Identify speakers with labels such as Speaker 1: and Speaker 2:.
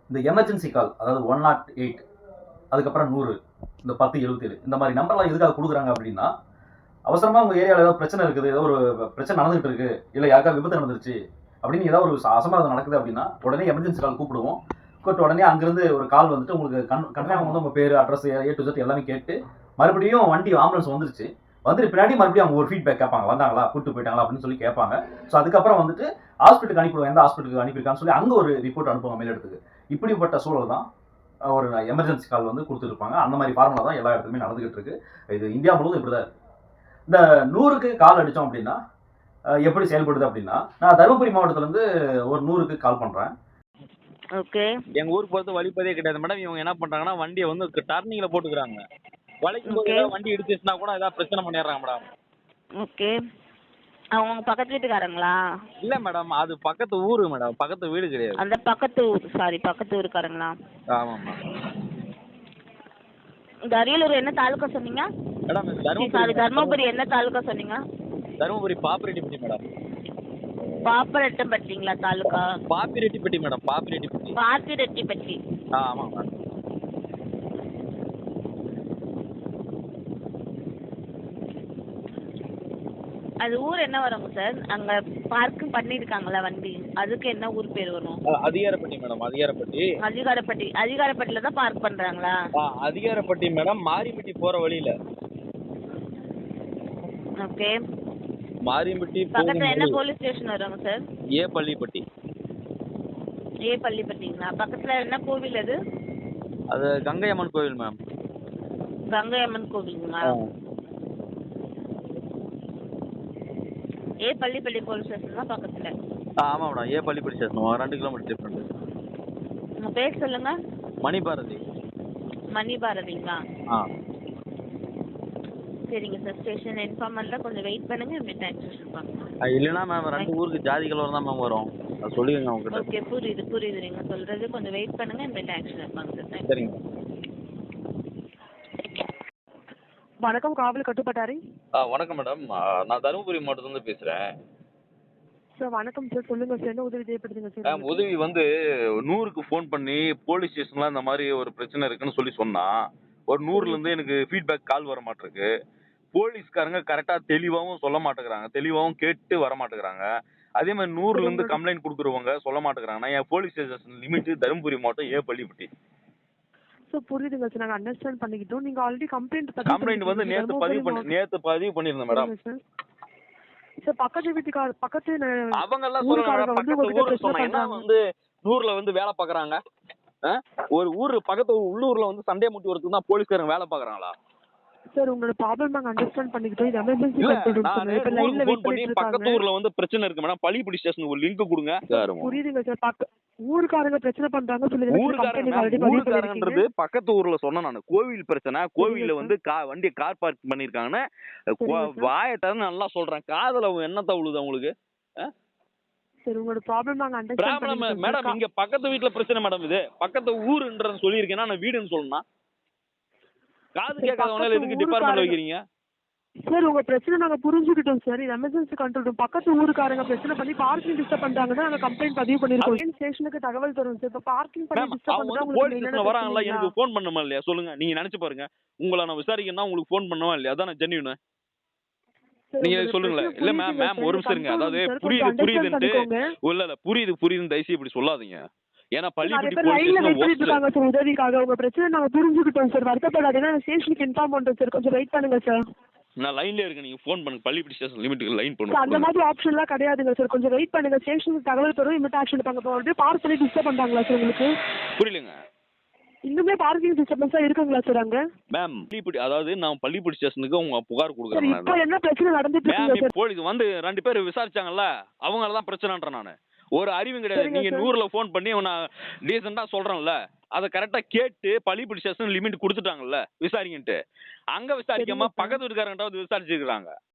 Speaker 1: இந்த எமர்ஜென்சி கால், அதாவது 108, அதுக்கப்புறம் 100, இந்த 1077 இந்த மாதிரி நம்பர்லாம் எதுக்காக கொடுக்குறாங்க அப்படின்னா, அவசரமா உங்க ஏரியாவில் ஏதோ பிரச்சனை இருக்குது, ஏதோ ஒரு பிரச்சனை நடந்துகிட்டு இருக்கு, இல்லை யாருக்கா விபத்து நடந்துருச்சு அப்படின்னு ஏதாவது ஒரு அசம்பாவிதம் நடக்குது அப்படின்னா உடனே எமர்ஜென்சி கால் கூப்பிடுவோம். கூப்பிட்டு உடனே அங்கிருந்து ஒரு கால் வந்துட்டு உங்களுக்கு கன்ஃபார்ம் வந்து உங்க பேர், அட்ரஸ், A to Z எல்லாமே கேட்டு மறுபடியும் வண்டி ஆம்புலன்ஸ் வந்துருச்சு, வந்துட்டு பின்னாடி மறுபடியும் அவங்க ஒரு ஃபீட்பேக் கேட்பாங்க, வந்தாங்களா, கூப்பிட்டு போயிட்டாங்களா அப்படின்னு சொல்லி கேட்பாங்க. ஸோ அதுக்கப்புறம் வந்துட்டு ஹாஸ்பிட்டலுக்கு அனுப்பிடுவோம், எந்த ஹாஸ்பிட்டலுக்கு அனுப்பியிருக்கான்னு சொல்லி அங்கே ஒரு ரிப்போர்ட் அனுப்புவாங்க மேலிடத்துக்கு. இப்படிப்பட்ட சூழல் தான் ஒரு எமர்ஜென்சி கால் வந்து கொடுத்துருப்பாங்க. அந்த மாதிரி ஃபார்முலா தான் எல்லா இடத்துலையுமே நடந்துகிட்டு இருக்கு. இது இந்தியா முழுவதும் இப்படி தான் இருக்கு. இந்த 100க்கு கால் அடித்தோம் அப்படின்னா எப்படி செயல்படுது அப்படின்னா, நான் தருமபுரி மாவட்டத்திலேருந்து ஒரு 100க்கு கால் பண்ணுறேன்.
Speaker 2: ஓகே.
Speaker 3: எங்கள் ஊருக்கு போகிறது வழிப்பதே கிடையாது மேடம். இவங்க என்ன பண்ணுறாங்கன்னா வண்டியை வந்து டர்னிங்கில் போட்டுக்கிறாங்க. வளைக்கும் போது ஏதாவது வண்டி இடிச்சிச்சுன்னா கூட ஏதாவது பிரச்சனை பண்ணிடுறாங்க மேடம்.
Speaker 2: ஓகே. அவங்க பக்கத்து வீட்டுக்காரங்களா?
Speaker 3: இல்லை மேடம், அது பக்கத்து ஊர் மேடம், பக்கத்து வீடு கிடையாது.
Speaker 2: அந்த பக்கத்து ஊர், சாரி, பக்கத்து ஊருக்காரங்களா?
Speaker 3: ஆமாம்மா.
Speaker 2: இந்த அரியலூர் என்ன தாலுக்கா சொன்னீங்க
Speaker 3: மேடம்?
Speaker 2: சாரி, தர்மபுரி என்ன தாலுக்கா சொன்னீங்க?
Speaker 3: தருமபுரி பாப்பிரெட்டிப்பட்டி மேடம்.
Speaker 2: பாப்பரெட்டப்பட்டிங்களா தாலுக்கா?
Speaker 3: பாப்பிரெட்டிப்பட்டி மேடம், பாப்பிரெட்டிப்பட்டி.
Speaker 2: பாப்பிரெட்டிப்பட்டி.
Speaker 3: ஆமாம் மேடம்.
Speaker 2: அது ஊர் என்ன வருங்க சார்? அங்க பார்க்கிங் பண்ணிருக்காங்களா வண்டி, அதுக்கு என்ன ஊர் பேர் வரும்?
Speaker 3: அதிகாரப்பட்டி மேடம், அதிகாரப்பட்டி.
Speaker 2: அதிகாரப்பட்டியில தான் பார்க் பண்றாங்களா?
Speaker 3: அதிகாரப்பட்டி மேடம், மாரிப்பட்டி போற வழியில.
Speaker 2: ஓகே.
Speaker 3: மாரிப்பட்டி
Speaker 2: பக்கத்துல என்ன போலீஸ் ஸ்டேஷன் வருங்க சார்?
Speaker 3: ஏ பள்ளிப்பட்டி.
Speaker 2: ஏ பள்ளிப்பட்டிங்களா? பக்கத்துல என்ன கோவில் அது?
Speaker 3: அது கங்கை அம்மன் கோவில் மேம்.
Speaker 2: கங்கை அம்மன் கோவிலுங்களா? ஏ பள்ளிப்பட்டி போலீஸ் ஸ்டேஷன் தான் பக்கத்துல.
Speaker 3: ஆமாம் madam, A Pallipatti station 2 kilometre different.
Speaker 2: உங்க பேர் சொல்லுங்க.
Speaker 3: மணிபாரதி.
Speaker 2: மணிபாரதிங்களா?
Speaker 3: ஆ
Speaker 2: சரிங்க சார். ஸ்டேஷன் இன்ஃபார்ம் பண்ணல, கொஞ்சம் வெயிட் பண்ணுங்க, மிட் ஆக்ஷன் பண்ணுங்க.
Speaker 3: இல்லைன்னா மேம் 2 ஊருக்கு ஜாதி கலவரம் தான் மேம் வரும், அது சொல்லிடுங்க அவங்ககிட்ட.
Speaker 2: ஓகே, புரியுது நீங்க சொல்றது. கொஞ்சம் வெயிட் பண்ணுங்க, மிட் ஆக்ஷன் இருப்பாங்க சார்.
Speaker 3: சரிங்க.
Speaker 4: வணக்கம், காவல் கட்டுப்பட்டாரி.
Speaker 3: வணக்கம் மேடம், நான் தருமபுரி மாவட்டத்துலேருந்து பேசுகிறேன்.
Speaker 4: சார் வணக்கம் சார், சொல்லுங்க சார், என்ன உதவி தேவைப்படுதுங்க சார்?
Speaker 3: மேம் உதவி வந்து 100க்கு ஃபோன் பண்ணி போலீஸ் ஸ்டேஷன்லாம் இந்த மாதிரி ஒரு பிரச்சனை இருக்குன்னு சொல்லி சொன்னால் ஒரு 100லேருந்து எனக்கு ஃபீட்பேக் கால் வர மாட்டேருக்கு. போலீஸ்காரங்க கரெக்டாக தெளிவாகவும் சொல்ல மாட்டேங்கிறாங்க, தெளிவாகவும் கேட்டு வர மாட்டேங்கிறாங்க. அதே மாதிரி 100லேருந்து கம்ப்ளைண்ட் கொடுக்குறவங்க சொல்ல மாட்டேங்கிறாங்க. நான் என் போலீஸ் ஸ்டேஷன் லிமிட்டு தருமபுரி மாவட்டம் ஏ பள்ளிப்பட்டி.
Speaker 4: சார் புரியுதுங்க சார், நாங்கள் அண்டர்ஸ்டாண்ட் பண்ணிக்கிட்டோம். நீங்கள் ஆல்ரெடி
Speaker 3: கம்ப்ளைண்ட் வந்து நேற்று பதிவு பண்ணியிருந்தேன் மேடம்.
Speaker 4: சார் பக்கத்து வீட்டுக்கார பக்கத்து
Speaker 3: அவங்க எல்லாம் சொல்றாங்க, பக்கத்து ஊருக்கு சொன்னாங்க வந்து 100ல வந்து வேலை பார்க்குறாங்க. ஒரு ஊர் பக்கத்து உள்ளூர்ல வந்து சண்டே முட்டி ஒருத்தர் தான் போலீஸ்காரங்க வேலை பார்க்குறாங்களா?
Speaker 4: சார் உங்களோட ப்ராப்ளம் நாங்கள் அண்டர்ஸ்டாண்ட் பண்ணிக்கிட்டோம். இது எமர்ஜென்சி
Speaker 3: பக்கத்து ஊர்ல வந்து பிரச்சனை இருக்கு மேடம், பள்ளிப்பட்டி ஸ்டேஷனுக்கு ஒரு லிங்க் கொடுங்க.
Speaker 4: புரியுதுங்க சார், ஊருக்காரங்க பிரச்சனை பண்றாங்க சொல்லி
Speaker 3: ஊருக்காரங்கன்றது பக்கத்து ஊர்ல சொன்னேன் நான். கோவில் பிரச்சனை, கோவில்ல வந்து வண்டியை கார் பார்க் பண்ணிருக்காங்கன்னு வாயத்தை நல்லா சொல்றேன், காதல என்னத்த உழுது அவங்களுக்கு?
Speaker 4: சரி, உங்களோட ப்ராப்ளம் நாங்க அண்டர்ஸ்டாண்ட் பண்ணிக்கிறோம்
Speaker 3: மேடம். இங்க பக்கத்து வீட்ல பிரச்சனை மேடம், இது பக்கத்து ஊருன்றது சொல்லியிருக்கேன்னா நான் வீடுன்னு சொல்லணும். காது கேட்காதவனால எதுக்கு டிபார்ட்மெண்ட் வைக்கிறீங்க?
Speaker 4: சார் உங்க பிரச்சனை நாங்க புரிஞ்சுக்கிட்டோம் சார். இது எமர்ஜென்சி கண்ட்ரோல் ரூம். பக்கத்து ஊருக்காரங்க பிரச்சனை பண்ணி பார்க்கிங் டிஸ்டர்ப் பண்றாங்கன்னா நாங்க கம்ப்ளைண்ட் பதிவு பண்ணிருக்கோம். ஸ்டேஷனுக்கு தகவல் தரும் சார். இப்ப பார்க்கிங் பண்ணி டிஸ்டர்ப் பண்றா
Speaker 3: போலீஸ் ஸ்டேஷன் வராங்கல, எனக்கு ஃபோன் பண்ணணுமா இல்லையா சொல்லுங்க. நீங்க நினைச்சு பாருங்க, உங்களை நான் விசாரிக்கணும்னா உங்களுக்கு ஃபோன் பண்ணணுமா இல்லையா? அதான் ஜென்யூன். நீங்க சொல்லுங்களே. இல்ல மேம் ஒரு நிமிஷம் இருங்க. அதாவது புரியுதுன்ட்டு இல்ல புரியுதுன்னு தயவுசெய்து இப்படி சொல்லாதீங்க. ஏன்னா பள்ளிப்பட்டி போலீஸ்
Speaker 4: உதவிக்காக உங்க பிரச்சனை நாங்க புரிஞ்சுக்கிட்டோம் சார். வருத்தப்படாதீங்க, ஸ்டேஷனுக்கு இன்ஃபார்ம் பண்றோம் சார். கொஞ்சம் வெயிட் பண்ணுங்க சார்.
Speaker 3: நான் லைன்ல இருக்கேன், நீங்க ஃபோன் பண்ணுங்க. பள்ளிப்பட்டி ஸ்டேஷன் லிமிட்டுக்கு லைன் பண்ணுங்க.
Speaker 4: அந்த மாதிரி ஆப்ஷன்லாம் கிடையாதுங்க சார். கொஞ்சம் வெயிட் பண்ணுங்க, ஸ்டேஷனுக்கு தகவல் தரும், இமிட் ஆக்ஷன் எடுப்பாங்க. அப்படியே பார்க் பண்ணி டிஸ்டர்ப் பண்றாங்களா சார் உங்களுக்கு?
Speaker 3: புரியலங்க.
Speaker 4: இன்னுமே பார்க்கிங் டிஸ்டர்பன்ஸா இருக்குங்களா சார் அங்க?
Speaker 3: மேம் பள்ளிப்பட்டி, அதாவது நான் பள்ளிப்பட்டி ஸ்டேஷனுக்கு உங்க புகார் கொடுக்குறேன்.
Speaker 4: இப்போ என்ன பிரச்சனை நடந்துட்டு இருக்கு சார்?
Speaker 3: போலீஸ் வந்து 2 பேர் விசாரிச்சாங்கல்ல, அவங்கள தான் பிரச்சனைன்றேன் நானு. ஒரு அறிவும் கிடையாது. நீங்க 100ல ஃபோன் பண்ணி நான் டீசெண்டா சொல்றேன்ல, அதை கரெக்டா கேட்டு பள்ளிப்பட்டி ஸ்டேஷன் லிமிட் கொடுத்துட்டாங்கல்ல விசாரிங்கன்ட்டு. அங்க விசாரிக்காம பக்கத்து வீட்டுக்காரங்கிட்ட விசாரிச்சிருக்காங்க.